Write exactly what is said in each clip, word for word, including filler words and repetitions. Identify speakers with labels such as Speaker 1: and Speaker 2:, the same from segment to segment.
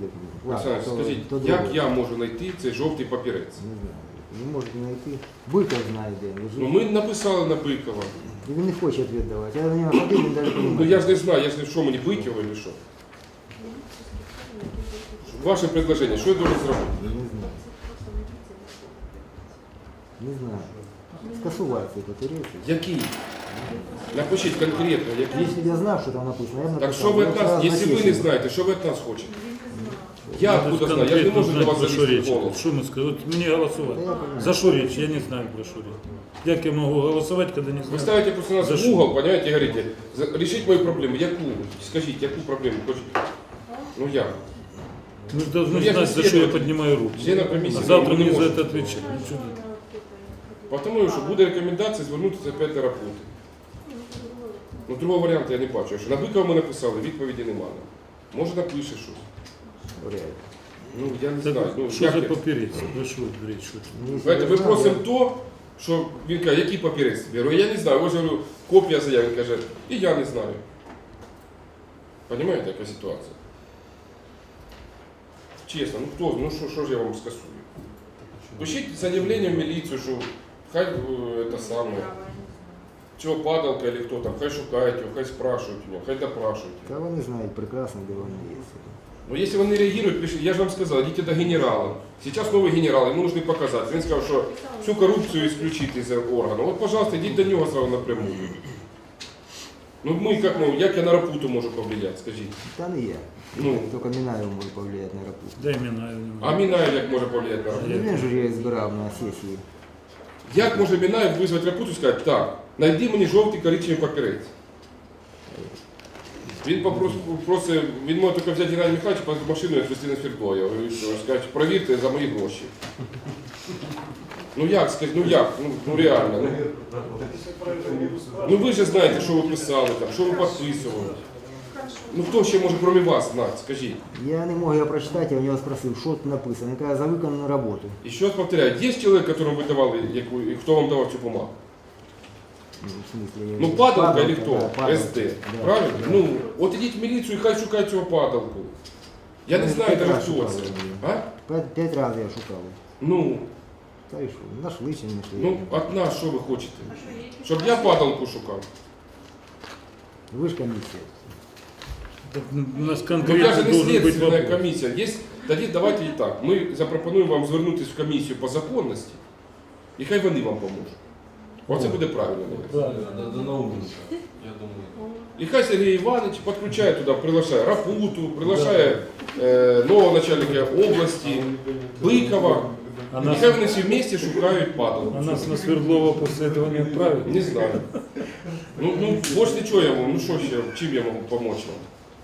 Speaker 1: Олександр,
Speaker 2: Ладно, то-
Speaker 1: скажіть,
Speaker 2: то
Speaker 1: як
Speaker 2: друге.
Speaker 1: я можу знайти цей жовтий папірець?
Speaker 2: Не знаю. Не можете знайти. Быков знає, де. Лежить.
Speaker 1: Ну ми написали на Бикова.
Speaker 2: І він не хоче відповідь давати. Я на нього ходив, він навіть не
Speaker 1: Ну
Speaker 2: розуміє.
Speaker 1: я ж не знаю, я ж не що мені Бикова чи що. Ваше предложення, що я должен зробити?
Speaker 2: Не знаю. Не знаю. Скасувати цей папірець.
Speaker 1: Який? Напишіть конкретно, який.
Speaker 2: Якщо б я знав, що там написано, я б
Speaker 1: Так
Speaker 2: написав.
Speaker 1: що ви
Speaker 2: Я
Speaker 1: від
Speaker 2: б
Speaker 1: нас,
Speaker 2: сразу
Speaker 1: якщо ви не
Speaker 2: насів.
Speaker 1: знаєте, що ви від нас хочете? Я
Speaker 3: Надо
Speaker 1: откуда знаю? Я ж не
Speaker 3: конкретно
Speaker 1: можу до
Speaker 3: знать,
Speaker 1: вас
Speaker 3: про що
Speaker 1: залізти
Speaker 3: річ.
Speaker 1: в голову.
Speaker 3: Що ми сказали? От мені
Speaker 2: Та
Speaker 3: голосувати.
Speaker 2: я понимаю.
Speaker 3: За що річ? Я не знаю, про що річ. Як я можу голосувати, коли не
Speaker 1: Вы
Speaker 3: знаю?
Speaker 1: ставите просто нас
Speaker 3: За
Speaker 1: в
Speaker 3: что?
Speaker 1: угол, понимаете, и говорите, за- решить мою проблему. Яку? Скажите, яку проблему хочете? Ну я.
Speaker 3: Мы же должны
Speaker 1: Ну, я же
Speaker 3: знать, за что я
Speaker 1: следователь.
Speaker 3: поднимаю руку.
Speaker 1: Члена комісії.
Speaker 3: А завтра
Speaker 1: ви не
Speaker 3: мне за
Speaker 1: можете.
Speaker 3: это отвечать. Ну, что ты?
Speaker 1: Тому що буде рекомендація звернутися опять до роботи. Ну, другого варіанту я не бачу. Що на Бикова ми написали, відповіді немає. Може напише щось.
Speaker 2: Реально.
Speaker 1: Ну, я не
Speaker 3: Так,
Speaker 1: знаю. Ну,
Speaker 3: що
Speaker 1: як
Speaker 3: за
Speaker 1: я-
Speaker 3: папірець? Про що річ? Що?
Speaker 2: Ну, якщо
Speaker 1: Знаєте,
Speaker 2: я
Speaker 1: ми
Speaker 2: знаю,
Speaker 1: просимо
Speaker 2: я-
Speaker 1: то, що він каже, який папірець тобі? Я говорю, я не знаю. Ось говорю, копія заяви. Він каже, і я не знаю. Понимаєте, яка ситуація? Чесно, ну хто, ну що, що ж я вам скасую? Пишіть заявлення в міліцію, що хай е, це саме, чого падалка, або хто там, хай шукають його, хай спрашують у нього, хай допрашують.
Speaker 2: Та вони знають прекрасно, де вони є.
Speaker 1: Ну, если он не реагирует, пишите, я же вам сказал, идите до генерала. Сейчас новый генерал, ему нужно показать. Он сказал, что всю коррупцию исключить из органа. Вот, пожалуйста, идите до него сразу напрямую. Ну, мы как, ну, як я на рапуту можу повлиять, скажіть?
Speaker 2: Та не я.
Speaker 1: Ну.
Speaker 2: Тільки Мінаєв може повлияти на рапу.
Speaker 3: Дай імена.
Speaker 1: А Мінаєв як може повлиять на рапуту?
Speaker 2: Він же її збирав на сесії.
Speaker 1: Як може Мінаєв визвати рапуту і сказати, так, знайди мені жовтий коричневий папірець. Він попросив, просить, він може тільки взяти Геннадія Михайловича, по машину і відвезти на Свердло. Я говорю, що, скажуть, провірте за мої гроші. Ну як, скажіть, ну як, ну, ну реально. Ну, ну ви ж знаєте, що ви писали там, що ви підписували. Ну хто ще може крім вас знати, скажіть.
Speaker 2: Я не мог його прочитати, я у нього спросив, що тут написано. Він каже, за виконану роботу.
Speaker 1: І ще раз повторяю, є чоловік, якому ви давали, яку, і хто вам давав цю бумагу?
Speaker 2: Ну, в смысле,
Speaker 1: Ну падалка или кто?
Speaker 2: да, падалка.
Speaker 1: СД.
Speaker 2: Да,
Speaker 1: Правильно?
Speaker 2: да.
Speaker 1: Ну, от ідіть в міліцію і хай шукають цього падалку. Я не
Speaker 2: Ну,
Speaker 1: знаю
Speaker 2: п'ять
Speaker 1: навіть
Speaker 2: раз
Speaker 1: хто
Speaker 2: шукали
Speaker 1: це.
Speaker 2: її.
Speaker 1: А?
Speaker 2: П'ять, п'ять разів я шукав.
Speaker 1: Ну,
Speaker 2: Та і що, нашли чи не знайшли.
Speaker 1: ну, от нас що ви хочете? Щоб я падалку шукав?
Speaker 2: Ви ж комісія.
Speaker 3: Так, у нас
Speaker 1: Ну, я
Speaker 3: конкретно
Speaker 1: же не
Speaker 3: должен быть
Speaker 1: слідственна
Speaker 3: вопрос.
Speaker 1: комісія. Є, тоді давайте і так. Ми запропонуємо вам звернутися в комісію по законності, і хай вони вам поможуть. Оце буде правильно. мабуть.
Speaker 4: Надо наумничать, я думаю.
Speaker 1: І хай Сергій Іванович підключає туди, приглашає Рапуту, приглашає е, нового начальника області, Бикова.
Speaker 3: А
Speaker 1: І
Speaker 3: нас,
Speaker 1: хай вони всі вместе шукають падалку.
Speaker 3: а нас на Свердлова после этого не отправят?
Speaker 1: Не знаю. Ну, ну, больше ничего я вам, ну что еще, чем я могу помочь вам?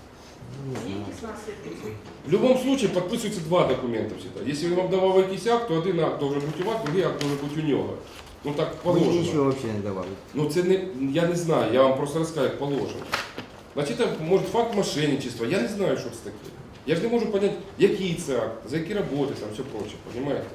Speaker 1: В любом случае подписываются два документа всегда. Если он вам давал якийсь акт, то один акт должен бути у вас, другий акт должен бути у нього. Ну так
Speaker 2: Мені
Speaker 1: положено.
Speaker 2: нічого взагалі не давали.
Speaker 1: Ну це не, я не знаю, я вам просто розкажу, як положено. Значить, це, може факт мошенничества, я не знаю, що це таке. Я ж не можу зрозуміти, який це акт, за які роботи, там все проче, розумієте?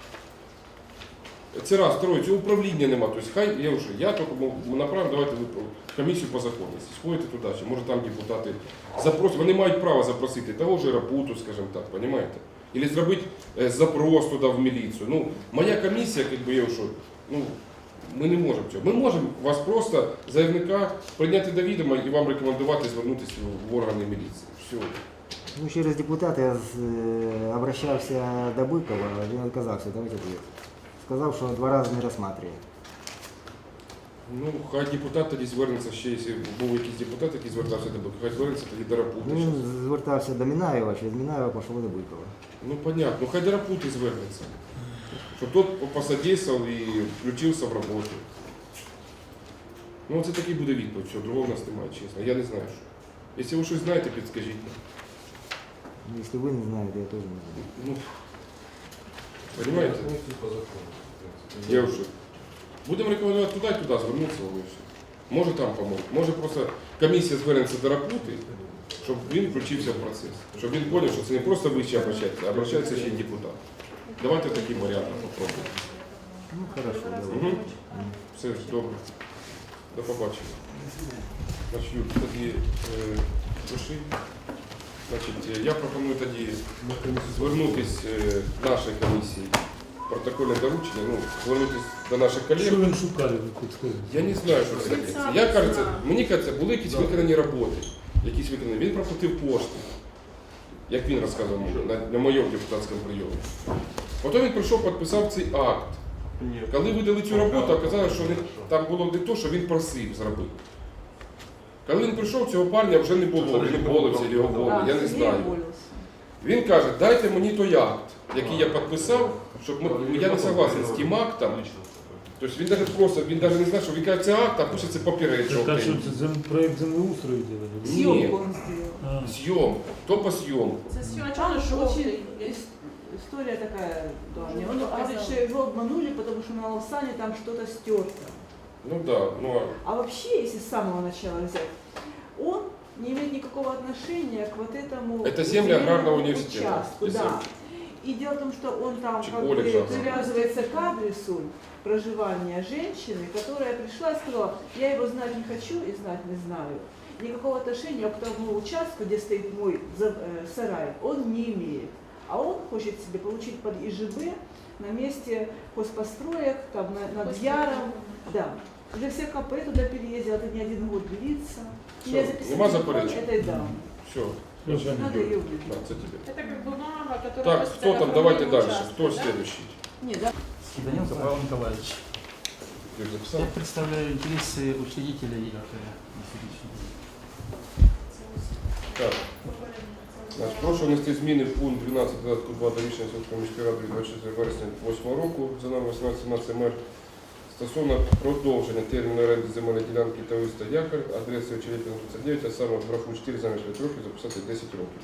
Speaker 1: Це раз, второе, цього управління нема. Тобто хай, я вже, я тільки направив, давайте ви в комісію по законності. Сходите туди, чи може там депутати запросять, вони мають право запросити того ж Рапуту, скажімо так, розумієте? Або зробити е, запрос туди в міліцію. Ну, моя комісія, якби я вже, ну, ми не можемо цього. Ми можемо вас просто, заявника, прийняти до відома і вам рекомендувати звернутися в органи міліції. Все.
Speaker 2: Ну, через депутата я з- е, обращався до Бикова, він відказався давати відповідь. Сказав, що два рази не розглядає.
Speaker 1: Ну, хай депутат тоді звернеться ще, якщо був якийсь депутат, який звертався до Бика, хай звернеться тоді до Рапути.
Speaker 2: Ну, він звертався до Мінаєва, через Мінаєва пішло до Бикова.
Speaker 1: Ну, понятно. Ну, хай до Рапути звернеться. Щоб тот посодействовал і включився в роботу. Ну, це такий буде відповідь. Все, другого в нас немає, чесно. Я не знаю, що. Якщо ви щось знаєте, підскажіть.
Speaker 2: Ну, якщо ви не знаєте, я теж не знаю.
Speaker 1: Ну, понимаете?
Speaker 4: По закону.
Speaker 1: Я вже. Будемо рекомендувати туди і туди звернутися, але все. Може там поможуть. Може просто комісія звернеться до Рапути, щоб він включився в процес. Щоб він зрозумів, що це не просто ви ще обращаєтеся, а обращається ще й депутат. Давайте таким варіантом попробуємо.
Speaker 2: Ну, хорошо, давай.
Speaker 1: Угу. Все, добре. До побачення. Значить, Юр, тоді е, пиши. Значить, я пропоную тоді звернутися е, нашій комісії, протокольне доручення, ну, звернутися до наших колег.
Speaker 3: Що він шукає, ви хоч скажете?
Speaker 1: Я не знаю, що це таке. Я кажеться, мені кажеться, були якісь виконані роботи, якісь виконані. Він проплатив кошти, як він розказував мені, на, на моєму депутатському прийомі. Потім він прийшов, підписав цей акт. Коли видали цю роботу, оказалось, що він, там було не то, що він просив зробити. Коли він прийшов, цього парня вже не було, він уволився, чи його уволили, я не знаю. Він каже, дайте мені той акт, який я підписав, щоб ми, я не согласен з тим актом. Тобто він навіть просто, він навіть не знає, що він каже, це акт, а пише це папірець.
Speaker 3: Так, а що це зем, проєкт землеустрою делали?
Speaker 1: Ні.
Speaker 5: Съемку он сделал.
Speaker 3: А,
Speaker 1: Зйом, то по зйомку.
Speaker 6: Це сьогодні
Speaker 5: Там же
Speaker 6: жовтий.
Speaker 5: очень ис- история такая давняя. Он говорит, что его обманули, потому что на Лавсане там что-то стерто.
Speaker 1: Ну да, ну
Speaker 5: А вообще, если с самого начала взять, он не имеет никакого отношения к вот этому
Speaker 1: Это земли
Speaker 5: земельному
Speaker 1: аграрного университета.
Speaker 5: участку.
Speaker 1: Если-
Speaker 5: Да. И дело в том, что он там
Speaker 1: Чи
Speaker 5: как бы
Speaker 1: колледжа.
Speaker 5: привязывается к адресу проживания женщины, которая пришла и сказала, я его знать не хочу и знать не знаю. Никакого отношения к тому участку, где стоит мой за- э, сарай, он не имеет. А он хочет себе получить под ИЖБ на месте хозпостроек, там, на- над Яром. Да. Уже все КП туда переездил, это не один год длится.
Speaker 1: Всё,
Speaker 5: Я записала
Speaker 1: нема
Speaker 5: телефон
Speaker 1: заперечень?
Speaker 5: этой дамы.
Speaker 1: все.
Speaker 3: Слушай,
Speaker 5: Надо ее
Speaker 1: На,
Speaker 5: выделить.
Speaker 1: це тебе.
Speaker 6: Це як бумага, яка
Speaker 1: Так, кто там, давайте дальше. Кто следующий?
Speaker 5: Нет, да.
Speaker 7: Данилов Павел Николаевич.
Speaker 1: Ты уже записал?
Speaker 7: Я представляю интересы учредителя ЕГЭ на сегодняшний день.
Speaker 1: Так. Значить, прошу внести зміни в пункт дванадцять додатку два до рішення Сумської міської ради від двадцять четвертого вересня восьмого року за номер вісімнадцять сімнадцять ем ер стосовно продовження терміну оренди земельної ділянки товариства Якорь, адресою Черепіна тридцять дев'ять, а саме в графу чотири замість п'ять років записати десять років.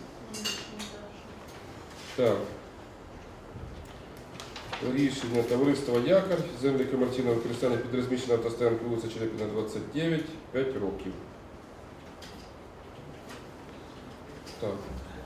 Speaker 1: Так. Рішення товариства Якорь, землі комерційного використання під розміщеною автостоянкою вулиця Черепіна двадцять дев'ять, п'ять років. Так.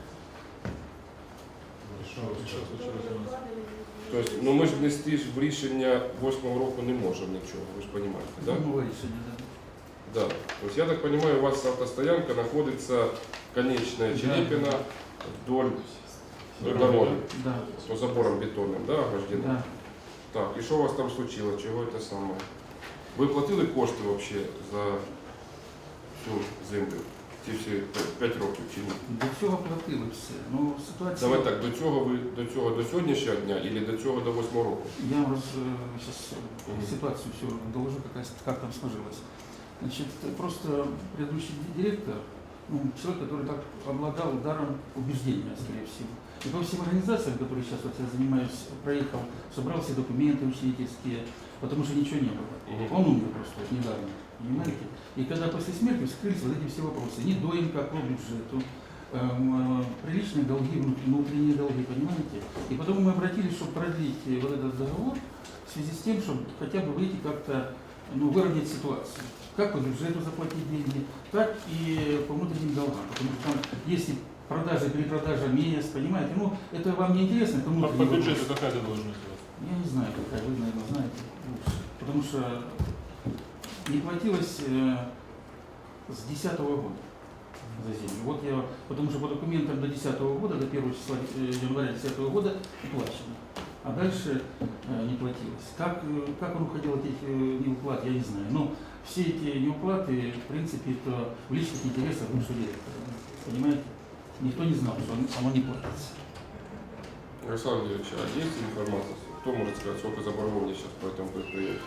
Speaker 1: Тобто, ну ми ж внести ж в рішення восьмого року не можемо нічого, ви ж розумієте, так? Да?
Speaker 7: Новое решение, да.
Speaker 1: Да. То есть, я так понимаю, у вас автостоянка находится конечная Черепина вдоль дороги,
Speaker 7: Да,
Speaker 1: по заборам бетонным, да, ограждена?
Speaker 7: да.
Speaker 1: Так, и что у вас там случилось, чего это самое? Ви платили кошти вообще за всю землю? Ці всі п'ять років чи ні?
Speaker 7: До цього платили все. Ну, ситуація...
Speaker 1: Давай так, до цього ви до цього до сьогоднішнього дня или до цього до восьмого року?
Speaker 7: Я вам раз, сейчас
Speaker 1: Мгм.
Speaker 7: ситуацию все доложу, как, как там сложилось. Значит, просто предыдущий директор, ну, человек, который так обладал даром убеждения, скорее всего. И по всем организациям, которые сейчас вот я занимаюсь, проехал, собрал все документы учредительские, потому что ничего не было.
Speaker 1: Мгм.
Speaker 7: Он умер просто вот недавно, понимаете? И когда после смерти вскрылись вот эти все вопросы, не доимка по бюджету, эм, э, приличные долги, внутренние долги, понимаете? И потом мы обратились, чтобы продлить э, вот этот договор в связи с тем, чтобы хотя бы выйти как-то, ну, выровнять ситуацию. Как по бюджету заплатить деньги, так и по внутренним долгам. Потому что там, если продажа, перепродажа мест, понимаете, ну, это вам не интересно, это
Speaker 3: А
Speaker 7: внутренний
Speaker 3: по
Speaker 7: вопрос.
Speaker 3: бюджету какая это должность у вас?
Speaker 7: Я не знаю, какая, вы, наверное, знаете лучше. Потому что не платилось э, с десятого года за землю. Вот я, потому что по документам до десятого года, до первого числа э, января десятого года уплачено. А дальше э, не платилось. Как, э, как он уходил от этих э, неуплат, я не знаю. Но все эти неуплаты, в принципе, это в личных интересах бывшего директора. Понимаете? Никто не знал, что оно не платится.
Speaker 1: Александр Юрьевич, а есть информация? Кто может сказать, сколько заборгований сейчас по этому предприятию?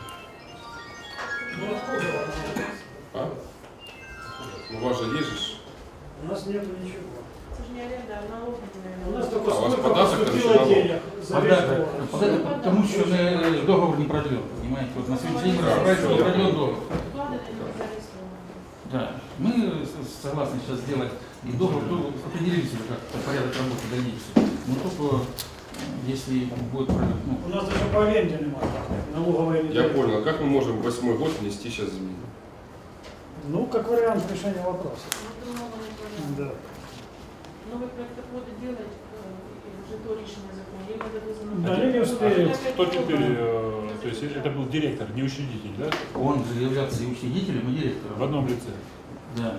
Speaker 1: А? Ну, у вас же есть же.
Speaker 8: У нас нету ничего.
Speaker 6: Це ж не оренда, а налог,
Speaker 8: У нас
Speaker 6: наверное.
Speaker 8: только
Speaker 1: А у вас
Speaker 8: сколько
Speaker 1: податок
Speaker 8: поступило
Speaker 1: там еще
Speaker 8: денег за весь
Speaker 7: Податок,
Speaker 8: год.
Speaker 7: податок, потому что э, договор не продлен, понимаете? Вот на сегодняшний день
Speaker 1: Да,
Speaker 7: разобрались, не
Speaker 1: всё, я
Speaker 7: продлен
Speaker 1: понял.
Speaker 7: договор.
Speaker 6: Вклади не зареєстровані.
Speaker 7: Да. Мы с- согласны сейчас сделать и договор, ну, определились уже как порядок работы дальнейший. Но только э, если будет продлен, ну,
Speaker 8: У нас даже по аренде немає. Налоговые не
Speaker 1: Я
Speaker 8: дают.
Speaker 1: понял, а как мы можем в восьмой год внести сейчас изменения?
Speaker 8: Ну, как вариант решения вопроса.
Speaker 6: Ну, новий порядок.
Speaker 8: Да.
Speaker 6: Новий проект буде делать, е, вже то рішення закону. Їм треба дозвонити.
Speaker 8: Да, они не успеют.
Speaker 3: Кто теперь, э, то есть это был директор, не учредитель, да?
Speaker 7: он же является и учредителем, и
Speaker 3: В
Speaker 7: директором.
Speaker 3: одном лице.
Speaker 7: Да.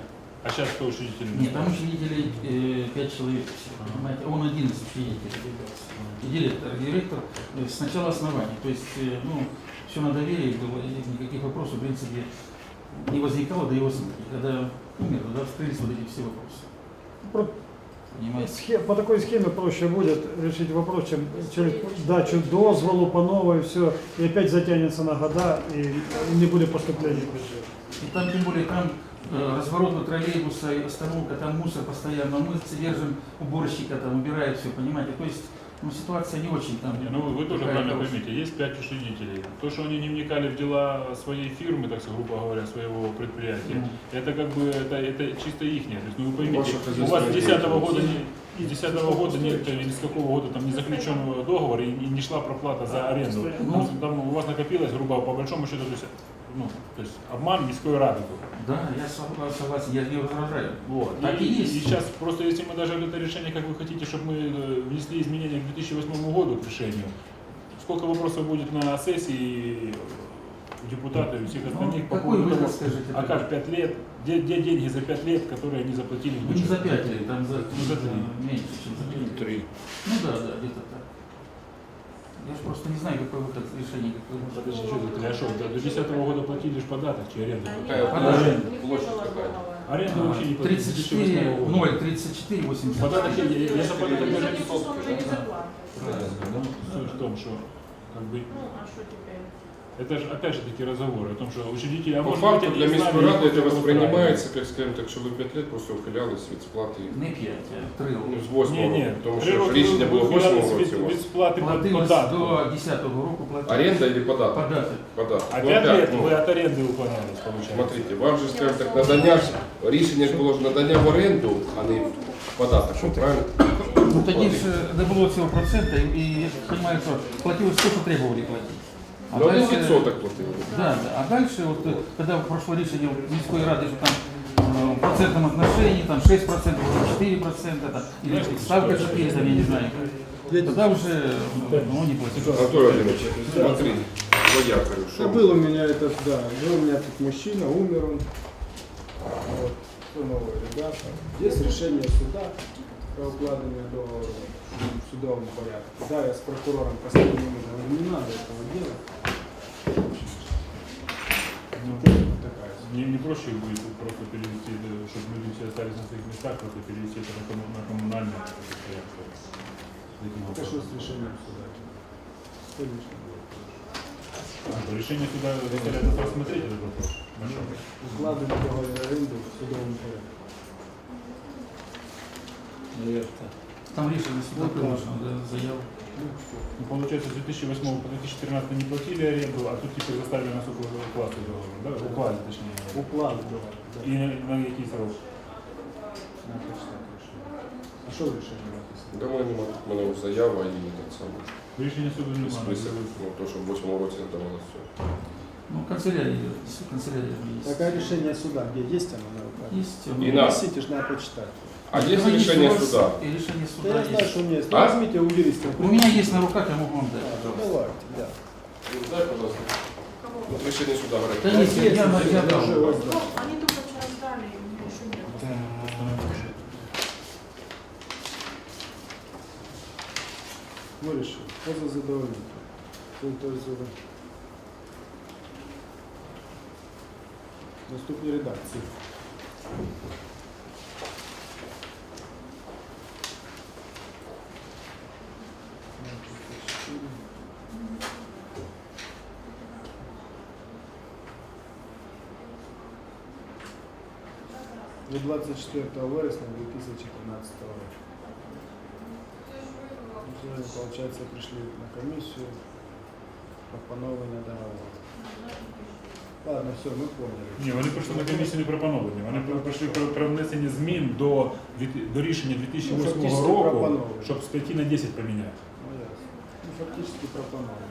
Speaker 3: А сейчас кто учредитель?
Speaker 7: Нет, там учредителей э, пять человек, всего, понимаете, он один из учредителей. И директор, директор э, с начала основания. То есть, э, ну, все на доверии было, и никаких вопросов, в принципе, не возникало до его смерти. Когда умер, тогда вскрылись вот эти все вопросы.
Speaker 8: Про-
Speaker 7: Понимаете?
Speaker 8: схе- По такой схеме проще будет решить вопрос, чем через дачу дозволу по новой, все, и опять затянется на года, и не будет поступления в бюджет.
Speaker 7: И там, тем более, там э, разворот троллейбуса, и остановка, там мусор постоянно. Мы содержим уборщика, там убирает все, понимаете? То есть, ну, ситуация не очень там.
Speaker 3: Не, ну вы, вы тоже
Speaker 7: такая
Speaker 3: правильно
Speaker 7: хорошая.
Speaker 3: поймите, есть пять учредителей. То, что они не вникали в дела своей фирмы, так сказать, грубо говоря, своего предприятия,
Speaker 7: Мгм.
Speaker 3: это как бы это, это чисто ихнее. То есть, ну вы поймите,
Speaker 1: Ваша
Speaker 3: у вас с
Speaker 1: хозяйственная
Speaker 3: десятого года
Speaker 1: деятельность.
Speaker 3: не, с десятого года нет или с какого года там не заключенного договора и, и не шла проплата за аренду.
Speaker 7: Ну,
Speaker 3: Ну, там у вас накопилось, грубо по большому счету, то есть, ну, то есть обман міської ради был.
Speaker 7: Да, я согласен, я не возражаю.
Speaker 3: Вот.
Speaker 7: Так
Speaker 3: и,
Speaker 7: и есть.
Speaker 3: и сейчас просто если мы даже это решение, как вы хотите, чтобы мы э, внесли изменения к две тысячи восьмому году к решению, сколько вопросов будет на сессии у депутатов и у всех остальных
Speaker 7: Ну,
Speaker 3: по
Speaker 7: какой
Speaker 3: поводу
Speaker 7: вы
Speaker 3: того,
Speaker 7: скажете?
Speaker 3: а как пять лет, где, где деньги за пять лет, которые они заплатили в
Speaker 7: Ну, не за
Speaker 3: бюджет?
Speaker 7: пять лет, там за,
Speaker 3: Ну, за три.
Speaker 7: меньше, чем за пять.
Speaker 1: Три.
Speaker 7: Ну да, да, где-то так. Я же просто не знаю, какой выход решения. Какой выход.
Speaker 3: Подожди, что за три? А что, до до десятого года платили ж податок, чи аренду?
Speaker 1: Какая
Speaker 7: подожди,
Speaker 1: площадь какая?
Speaker 3: Аренду вообще не платили.
Speaker 7: тридцать четыре, ноль, тридцать четыре, восемьдесят.
Speaker 3: Податок, я, я, я за податок даже не
Speaker 6: уже не зарплата.
Speaker 3: Ну, суть в том, что как бы
Speaker 6: Ну, а что теперь?
Speaker 3: это же опять же таки разговоры о том, что учредители, а
Speaker 1: По
Speaker 3: может
Speaker 1: факту
Speaker 3: быть,
Speaker 1: для
Speaker 3: они
Speaker 1: міської
Speaker 3: знали,
Speaker 1: ради
Speaker 3: что
Speaker 1: це
Speaker 3: это
Speaker 1: воспринимается, как скажем так, що ви п'ять років просто ухилялись від сплати.
Speaker 7: Не пять, а три
Speaker 1: Ну,
Speaker 7: роки.
Speaker 1: з восьмого
Speaker 3: Ні, ні,
Speaker 1: року, тому
Speaker 3: три
Speaker 1: що ж
Speaker 3: роки
Speaker 1: рішення було в
Speaker 3: ви
Speaker 1: восьмому
Speaker 3: ухилялись
Speaker 1: році у
Speaker 3: від,
Speaker 1: вас.
Speaker 3: від сплати
Speaker 7: Платилось
Speaker 3: податку.
Speaker 7: до десятого року платилось.
Speaker 1: Аренда или податок?
Speaker 7: Податок.
Speaker 1: Податок.
Speaker 3: А
Speaker 1: Ну,
Speaker 3: пять
Speaker 1: опять,
Speaker 3: лет
Speaker 1: ну,
Speaker 3: вы от аренды уклонялись, получается.
Speaker 1: Смотрите, вам же, скажем так, надання ж, рішення ж було ж надання в оренду, а не в податок, що, правильно?
Speaker 7: Ну тоді ж не було цього процента, і, і я розумію, що платилось те, що требували платити. А
Speaker 1: Ну, один
Speaker 7: дальше-
Speaker 1: відсоток платили.
Speaker 7: Да, да. А дальше, вот, э, когда прошло решение міської ради, что там э, в процентном отношении, там шесть процентов, четыре процента, там, или ставка четыре, там, я не знаю, тогда уже ну, не платили.
Speaker 1: Анатолий Владимирович, смотри, твоя, говорю,
Speaker 9: Да,
Speaker 1: что?
Speaker 9: был у меня этот, да, был у меня тут мужчина, умер он. Вот, кто новые ребята. Есть решение суда про укладывание договора в судовом порядке. Да, я с прокурором постоянно говорю, не надо этого делать. Ну, вот такая ситуация.
Speaker 3: Не, не проще будет просто перевести, это, чтобы люди все остались на своих местах, просто перевести это на, комму- на коммунальное предприятие. Таким
Speaker 9: Это что
Speaker 3: образом.
Speaker 9: с решением суда? Конечно.
Speaker 3: А, то решение суда заставляет нас рассмотреть этот вопрос. Хорошо.
Speaker 9: Укладывать договор аренды в судовом порядке.
Speaker 7: Там решение суда приложено, да, заяву.
Speaker 3: Ну, получается, с две тысячи восьмого по две тысячи тринадцатый не платили аренду, а тут теперь заставили нас укласти договор, да? Уклали, точнее.
Speaker 9: Укладывать договор, да.
Speaker 3: И на, на який срок?
Speaker 9: На почтовое решение. А что в решении написано?
Speaker 1: Да, мене нема, в мене заява і так само.
Speaker 3: Рішення суду немає.
Speaker 1: Список, ну, то, що в восьмому році надавалося все.
Speaker 7: Ну, канцелярия, канцелярия есть.
Speaker 9: Такое решение суда, где есть оно на руках?
Speaker 7: Есть.
Speaker 1: И
Speaker 7: ну,
Speaker 1: на-
Speaker 9: Носите ж, надо почитать.
Speaker 1: А є
Speaker 7: ну,
Speaker 1: рішення
Speaker 7: у вас-
Speaker 1: суда?
Speaker 7: И решение
Speaker 9: Да
Speaker 7: суда
Speaker 9: я знаю,
Speaker 7: есть.
Speaker 9: что у меня есть.
Speaker 1: А?
Speaker 9: Возьмите у юриста.
Speaker 7: У меня есть на руках, я могу вам дать.
Speaker 9: Да,
Speaker 7: пожалуйста.
Speaker 9: давайте, да.
Speaker 1: Ну, дай, пожалуйста.
Speaker 6: Кого?
Speaker 1: От рішення суда
Speaker 7: Да
Speaker 1: говорить.
Speaker 7: есть, я, я, я дам.
Speaker 9: уже
Speaker 6: Ну,
Speaker 9: воздам.
Speaker 6: они только вчера сдали, и у меня еще нет.
Speaker 9: Вирішив. Поза задовольнити. Тобто, наступні редакції. Від двадцять четвертого вересня две тысячи тринадцатого року. Сегодня, получается, пришли на комиссию по поновлению договора. Ладно, все, мы поняли.
Speaker 3: Ні, вони прийшли на комісію не про поновлення, вони при- прийшли про, про внесення змін до, від- до рішення дві тисячі
Speaker 9: Ну,
Speaker 3: восьмого
Speaker 9: фактично
Speaker 3: року,
Speaker 9: пропоновлення.
Speaker 3: щоб з п'яти на десять поміняти.
Speaker 9: Ну, ясно. Ну, фактически пропоновали.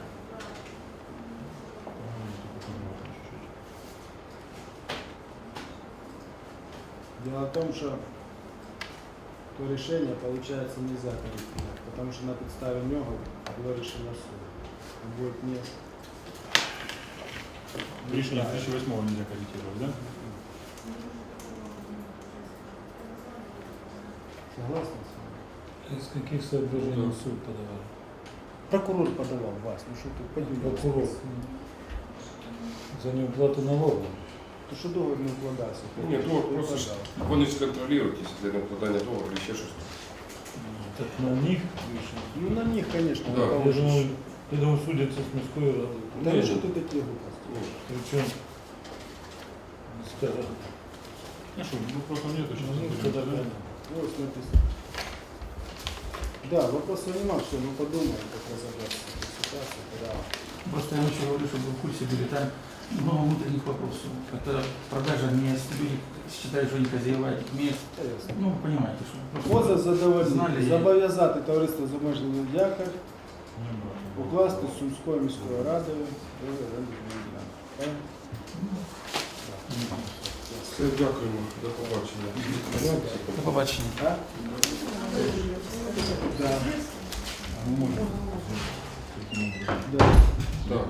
Speaker 9: Дело в том, что то решение, получается, нельзя корректировать, потому что на подставе него было решение суда. Он будет не...
Speaker 3: Рішення дві тисячі восьмого нельзя корректировать, да?
Speaker 9: Согласны с вами?
Speaker 3: Из каких соображений суд подавал?
Speaker 9: Прокурор подавал вас, ну что ты поделился?
Speaker 3: Прокурор. За неуплату налогов.
Speaker 9: То що договір не вкладався?
Speaker 1: Ні, договор просто ж вони ж контролюють, якщо для невкладання договору чи ще щось.
Speaker 3: Так на них решили.
Speaker 9: Ну на них, конечно,
Speaker 1: Да.
Speaker 9: на кого
Speaker 3: Я
Speaker 9: же
Speaker 3: думаю,
Speaker 9: ж.
Speaker 3: я думаю, судятся с мирской радой.
Speaker 9: Да
Speaker 1: Ні,
Speaker 9: ну что ты такие глупости?
Speaker 1: ні.
Speaker 3: Причем, скажем, ну что, ну просто нет,
Speaker 8: Ну,
Speaker 3: сейчас
Speaker 8: тогда
Speaker 3: это
Speaker 8: да.
Speaker 9: Вот написано. Да, вопросов нема, все, мы подумаем, как разобраться с этой ситуацией, когда
Speaker 7: Просто я еще говорю, чтобы вы в курсе были, там много внутренних вопросов. Это продажа мест, люди считают, что они хозяева этих мест.
Speaker 9: Интересно.
Speaker 7: Ну, понимаете, что
Speaker 9: Поза задовольнити,
Speaker 7: Знали.
Speaker 9: зобов'язати товариство з обмеженим якорь, укласти з Сумською міською радою до оренди земельної ділянки.
Speaker 1: Все, дякуємо. До побачення.
Speaker 7: До побачення.
Speaker 9: А? Да. Да.
Speaker 1: Так.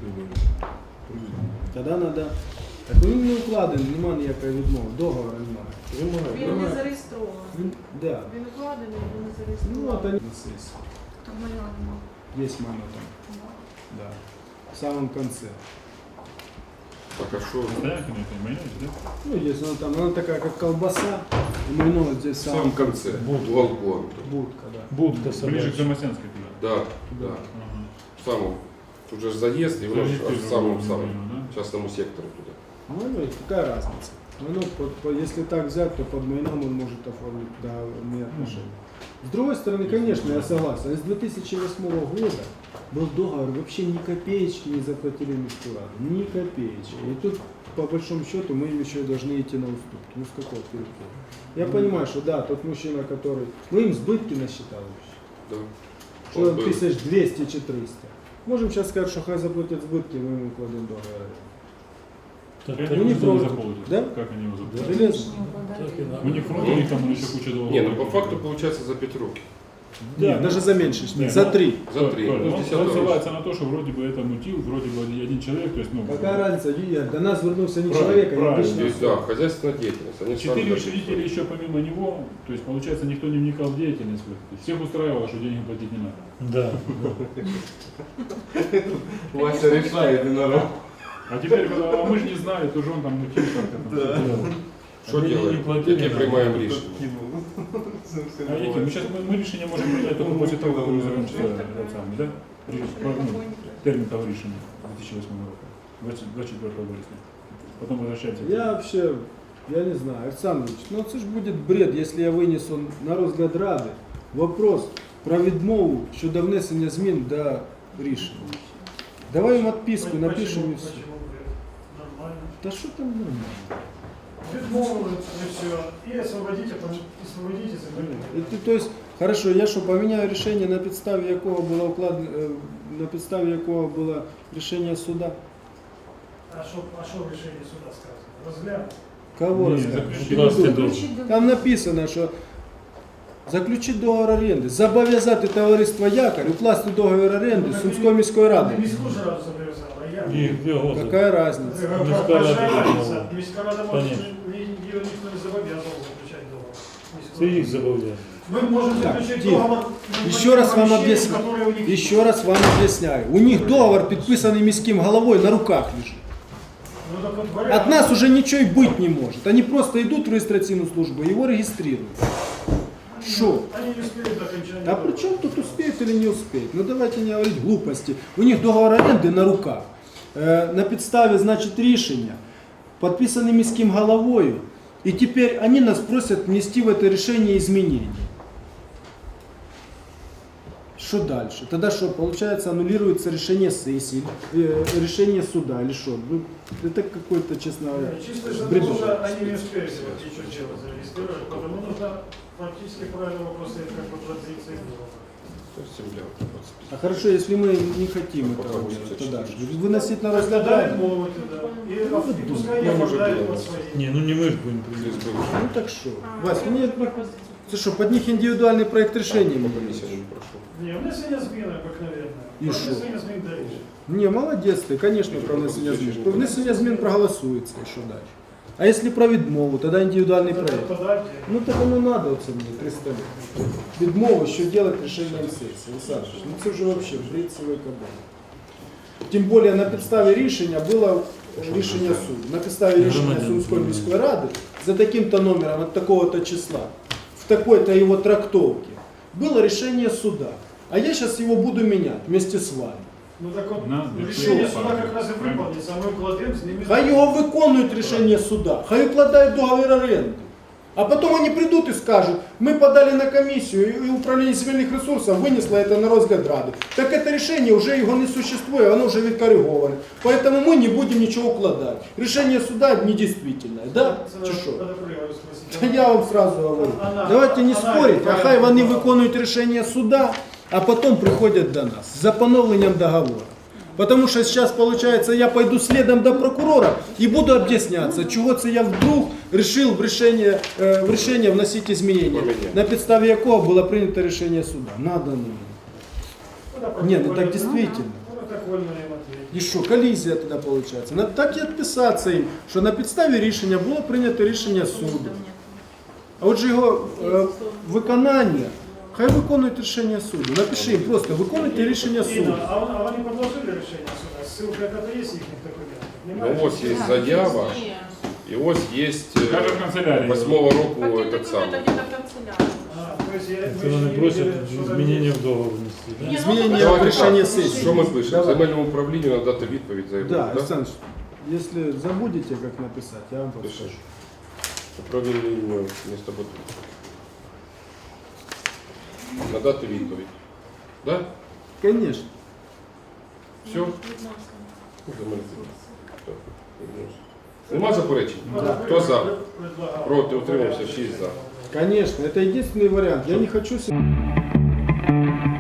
Speaker 9: Тоді треба. Так він не укладений, немає ніякої відмови, договору немає.
Speaker 6: Він не зареєстрований.
Speaker 9: Він, да.
Speaker 6: Він укладений, він не
Speaker 9: Ну,
Speaker 6: зареєстрований.
Speaker 9: от вони на сесії.
Speaker 6: Там моя нема.
Speaker 9: Є мама там. Да. В самом конце.
Speaker 1: Так, а що?
Speaker 3: Стоянки на этой майонез, да?
Speaker 9: Ну, есть она там, она такая, как колбаса, и мы ну, вот здесь
Speaker 1: В
Speaker 9: сам
Speaker 1: самому конце.
Speaker 3: Будка.
Speaker 1: Балкон.
Speaker 9: будка, да.
Speaker 8: Будка
Speaker 3: Ближе к
Speaker 8: собачья.
Speaker 3: Замосянской туда.
Speaker 1: Да,
Speaker 9: Да.
Speaker 1: да.
Speaker 3: Ага.
Speaker 1: В самому. Тут же ж заезд, и воно ж аж в самому самому частному сектору туда.
Speaker 9: Ну, ну, какая разница? Ну, под- по- если так взять, то под майном он может оформить да, мне отношения. С другой стороны, конечно, я согласен. С две тысячи восьмого года был договор, вообще ни копеечки не заплатили Мирскую раду. Ни копеечки. И тут, по большому счету, мы им еще должны идти на уступки. Ну, с какого перепуга? Я понимаю, что да, тот мужчина, который... Мы им сбытки насчитали вообще.
Speaker 1: Да.
Speaker 9: Что
Speaker 1: Он был.
Speaker 9: тысяч двести чи триста. Можем сейчас сказать, что хай заплатят сбытки, мы ему кладем договор.
Speaker 3: Так,
Speaker 8: Так,
Speaker 3: они
Speaker 9: ну, не
Speaker 3: не
Speaker 9: против.
Speaker 3: заполнят.
Speaker 9: Да?
Speaker 3: Как они его заполнят?
Speaker 9: Железно.
Speaker 8: Так и надо.
Speaker 3: У них фронт, у них там еще куча долларов.
Speaker 1: Не, ну по факту получается за пять років.
Speaker 9: Да, даже за меньше,
Speaker 3: Не,
Speaker 9: за
Speaker 3: ну,
Speaker 9: три.
Speaker 1: За три.
Speaker 3: Коль,
Speaker 1: Ну,
Speaker 3: он,
Speaker 1: с
Speaker 3: он
Speaker 1: десятого
Speaker 3: ссылается на то, что вроде бы это мутил, вроде бы один человек, то есть, ну,
Speaker 9: Какая разница, Юрий, до нас вернулся не
Speaker 3: Правильно,
Speaker 9: человек, а
Speaker 3: правильно.
Speaker 9: обычный.
Speaker 1: Здесь, да, хозяйственная деятельность. Они сами
Speaker 3: четыре
Speaker 1: даже-
Speaker 3: учредителя еще помимо него, то есть, получается, никто не вникал в деятельность. То есть, всех устраивало, что денег платить не надо.
Speaker 8: Да.
Speaker 4: Вася решает, народ.
Speaker 3: А теперь, когда а мы же не знали, то же он там мутил как-то. там что-то делал.
Speaker 1: Що
Speaker 3: Они не
Speaker 1: делаем?
Speaker 3: платили,
Speaker 1: Які
Speaker 3: да.
Speaker 1: приймаємо рішення?
Speaker 3: А эти, мы сейчас мы, мы решение можем принять только после того, как мы закончится этот самый, да? Ри- ну, термин того решения две тысячи восьмого года, двадцать четвёртого вересня. Потом возвращаемся.
Speaker 9: Я вообще, я не знаю, Александрович, ну это ж будет бред, если я вынесу на розгляд Ради вопрос про відмову щодо внесення змін до рішення. Давай їм відписку, напишемо і все.
Speaker 8: Нормально.
Speaker 9: Та що там нормально?
Speaker 8: Відмовились, і все. І освободите, освободите
Speaker 9: І ти, то есть, хорошо, я що, поміняю рішення, на підставі якого було укладено, е, на підставі якого було рішення суда?
Speaker 8: А що, а що в рішенні суда сказано? Розглянути?
Speaker 9: Кого
Speaker 3: Не,
Speaker 9: розказати?
Speaker 3: заключить
Speaker 9: Ти Там написано, що заключити договор оренди, зобов'язати товариство Якорь укласти договір оренди з Сумською міською радою.
Speaker 8: Міську ж раду зобов'язала, а я.
Speaker 3: И где Гоза?
Speaker 9: Какая разница?
Speaker 8: Міська
Speaker 3: рада.
Speaker 8: Міська рада може,
Speaker 3: Конечно.
Speaker 8: її ніхто не зобов'язував заключати договор.
Speaker 3: Ты их забавляешь.
Speaker 8: Ми можемо
Speaker 9: Так,
Speaker 8: заключити
Speaker 9: тихо.
Speaker 8: договор.
Speaker 9: Еще раз вам объясняю. Еще раз вам объясняю. У них договор, підписаний міським головой, на руках лежит. От нас уже ничего и быть не может. Они просто идут в регистрационную службу, его регистрируют. Что?
Speaker 8: Они не успеют до окончания.
Speaker 9: А при чем тут успеют или не успеют? Ну давайте не говорить глупости. У них договор оренди на руках. Э, на підставі, значит, рішення, подписанный міським головою. И теперь они нас просят внести в это решение изменения. Что дальше? Тогда что, получается, аннулируется решение сессии, э, решение суда или что? Ну, это какой-то, честно говоря,
Speaker 8: Чисто из-за
Speaker 9: бредовый.
Speaker 8: того, что они не успели ничего делать, зарегистрировать, потому нужно фактически правильно вопрос ставить, как бы позиции было.
Speaker 1: То есть земля.
Speaker 9: А хорошо, если мы не хотим этого делать, тогда что? Выносить на розгляд
Speaker 8: Тогда
Speaker 9: Ради?
Speaker 8: отмовить, да. И,
Speaker 9: Ну,
Speaker 8: и пускай
Speaker 1: ну,
Speaker 8: не
Speaker 1: может,
Speaker 8: оправдают
Speaker 1: дело.
Speaker 8: под свои.
Speaker 3: Не, ну не мы же будем
Speaker 1: Здесь
Speaker 3: приезжать.
Speaker 1: был.
Speaker 9: Ну так что?
Speaker 6: А,
Speaker 9: Вась,
Speaker 6: я
Speaker 9: мне
Speaker 6: пропозицию.
Speaker 9: ты что, под них индивидуальный проект решения
Speaker 1: По
Speaker 9: не
Speaker 1: комиссии
Speaker 9: выносишь?
Speaker 1: не прошел.
Speaker 8: Не, внесення змін обикновенно.
Speaker 9: І
Speaker 8: Про
Speaker 9: що?
Speaker 8: внесення змін до рішення.
Speaker 9: Не, молодец ты, конечно, про внесення змін. Про внесення змін проголосується, і що далі? А если про відмову, тогда индивидуальный проект.
Speaker 8: Подайте.
Speaker 9: Ну так оно надо оце мені, триста лет. Відмову, що делать рішенням сесії. Олександр, ну це вже вообще бред цілої кабали. Тим більше на підставі рішення було рішення суду. На підставі рішення Сумської міської ради за таким-то номером от такого-то числа, в такой-то его трактовке, было решение суда. А я сейчас его буду менять вместе с вами.
Speaker 8: Ну так от,
Speaker 3: На,
Speaker 8: рішення
Speaker 3: що?
Speaker 8: суда якраз і виповнюється, а ми вкладемо з ними.
Speaker 9: Хай його виконують рішення суда, хай укладають договір оренди. А потом они придут и скажут, мы подали на комиссию, и управление земельных ресурсов вынесло это на розгляд Рады. Так это решение уже его не существует, оно уже відкориговане. Поэтому мы не будем ничего укладать. Решение суда недействительное, да? Чи що? Та я вам сразу говорю. Давайте не спорить, а хай вони виконують рішення суда, а потом приходят до нас за поновленням договора. Потому что сейчас, получается, я пойду следом до прокурора и буду объясняться, чего це я вдруг решил в решение, э, в решение вносить изменения, на підставі якого было принято решение суда. Надо, надо. Не, ну так действительно. И что, коллизия тогда получается. Надо так и отписаться им, что на підставі рішення було прийнято рішення суду. А от же його е, виконання, хай виконують рішення суду. Напиши їм просто, виконуйте рішення суду.
Speaker 8: А вони, а вони предложили рішення суда? Ссылка яка-то є їхніх документів?
Speaker 1: Ну ось є заява, і ось є
Speaker 3: Даже в канцелярії.
Speaker 1: восьмого року
Speaker 6: Какие
Speaker 1: этот
Speaker 6: документы
Speaker 1: самый.
Speaker 6: где-то в канцелярии?
Speaker 8: А, то есть я,
Speaker 3: Це вони просять змінення в договор внести. да?
Speaker 6: Ні, ну,
Speaker 9: Змінення
Speaker 6: давайте
Speaker 9: в рішення
Speaker 6: так.
Speaker 9: сесії.
Speaker 1: Що ми пишемо?
Speaker 9: Давай.
Speaker 1: Земельному управлінню надати відповідь за
Speaker 9: Да,
Speaker 1: да?
Speaker 9: Александр, если забудете, как написать, я вам подскажу.
Speaker 1: Пишеш. Управлінню міста Батуми. Надати відповідь. Да?
Speaker 9: Конечно.
Speaker 1: Все? Нема заперечень? Хто за? Проти, утримався, шість за.
Speaker 9: Конечно, это единственный вариант. Я не хочу... с-